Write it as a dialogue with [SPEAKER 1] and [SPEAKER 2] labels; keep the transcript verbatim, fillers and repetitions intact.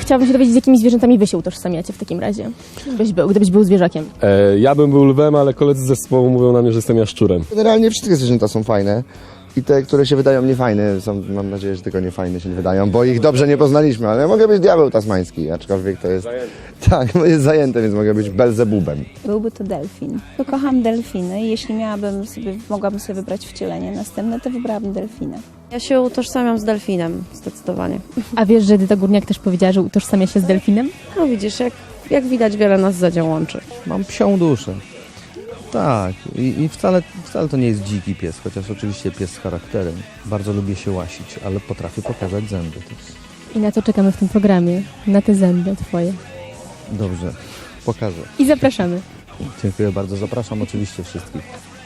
[SPEAKER 1] chciałabym się dowiedzieć, z jakimi zwierzętami wy się utożsamiacie w takim razie. Gdybyś był, gdybyś był zwierzakiem.
[SPEAKER 2] E, ja bym był lwem, ale koledzy z zespołu mówią na mnie, że jestem jaszczurem.
[SPEAKER 3] Generalnie wszystkie zwierzęta są fajne. I te, które się wydają niefajne, są, mam nadzieję, że tylko niefajne się nie wydają, bo ich dobrze nie poznaliśmy, ale mogę być diabeł tasmański, aczkolwiek to jest... Zajęty. Tak, jest zajęte, więc mogę być Belzebubem.
[SPEAKER 4] Byłby to delfin. Bo kocham delfiny i jeśli miałabym sobie, mogłabym sobie wybrać wcielenie następne, to wybrałabym delfina.
[SPEAKER 5] Ja się utożsamiam z delfinem, zdecydowanie.
[SPEAKER 1] A wiesz, że Edyta Górniak też powiedziała, że utożsamia się z delfinem?
[SPEAKER 5] No widzisz, jak, jak widać, wiele nas za dział łączy.
[SPEAKER 6] Mam psią duszę. Tak, i, i wcale, wcale to nie jest dziki pies, chociaż oczywiście pies z charakterem. Bardzo lubię się łasić, ale potrafię pokazać zęby też.
[SPEAKER 1] I na to czekamy w tym programie. Na te zęby twoje.
[SPEAKER 6] Dobrze, pokażę.
[SPEAKER 1] I zapraszamy.
[SPEAKER 6] Dziękuję bardzo, zapraszam oczywiście wszystkich.